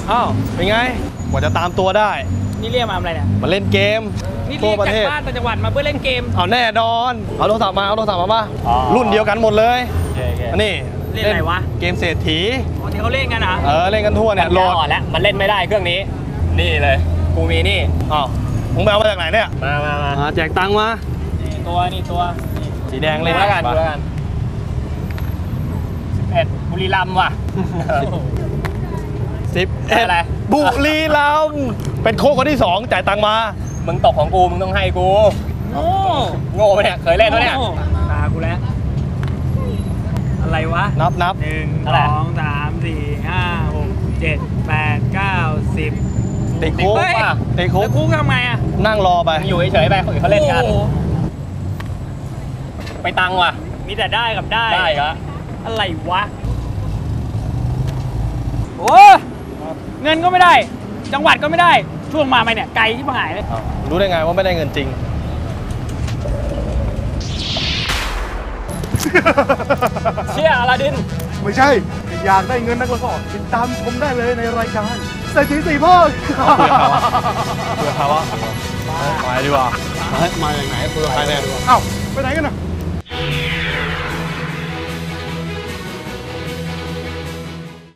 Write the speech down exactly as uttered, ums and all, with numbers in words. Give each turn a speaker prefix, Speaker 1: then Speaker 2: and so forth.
Speaker 1: อ้าวเป็นไงกว่าจะตามตัวได้
Speaker 2: นี่เรียกมาอะไรเนี่ย
Speaker 1: มาเล่นเกม
Speaker 2: นี่เรียกจากบ้านต่างจังหวัดมาเพื่อเล่นเกม
Speaker 1: เอาแน่นอนเอาโทรศัพท์มาเอาโทรศัพท์มาป่ะรุ่นเดียวกันหมดเลยนี่
Speaker 2: เล่นอะไรวะ
Speaker 1: เกมเศรษฐี
Speaker 2: อ๋อที่เขาเล่นกันนะ
Speaker 1: เออเล่นกันทั่วเนี่ยโหลด
Speaker 3: แล้วมันเล่นไม่ได้เครื่องนี้นี่เลยกูมีนี่
Speaker 1: อ้าวมึงไปเอามาจากไหนเนี่ย
Speaker 3: มามามา
Speaker 1: แจกตังค์มา
Speaker 2: ตัวนี่ตัว
Speaker 1: สีแดงเล่น
Speaker 3: แล้วกันดูแล้วกันสิบเอ็ดบุรีรัมย์ว่ะ
Speaker 1: สิบเอ็ดบุรีรัมย์เป็นโค้ชคนที่สองจ่ายตังค์มา
Speaker 3: มึงตกของกูมึงต้องให้กู
Speaker 2: โง่
Speaker 3: โง่ไปเนี่ยเคยเล่นแล้วเนี่ย
Speaker 2: ตากูแล้วอะไรวะ
Speaker 1: นับนับ
Speaker 2: หนึ่งสองสามสี่ห้าหกเจ็ดแปดเก้าสิบ
Speaker 1: ติดคุกป่ะติดคุก
Speaker 2: คุกทำไงอ่ะ
Speaker 1: นั่งรอไป
Speaker 3: อยู่เฉยๆไปคนอื่นเขาเล่นกันไปตังว่ะ
Speaker 2: มีแต่ได้กับได้
Speaker 3: ได้ก็
Speaker 2: อะไรวะโอ้เงินก็ไม่ได้จังหวัดก็ไม่ได้ช่วงมาไหมเนี่ยไกลที่หายเลย
Speaker 1: รู้ได้ไงว่าไม่ได้เงินจริง
Speaker 3: เชี่ยอลาดิน
Speaker 4: ไม่ใช่อยากได้เงินนักละก็ติดตามชมได้เลยในรายการเศรษฐีสี่พ่อ
Speaker 1: เผื่อเขาว่าไปดีกว่ามาจากไหนเผื่อใครเนี่ย
Speaker 4: เอ้าไปไหนกันน่ะ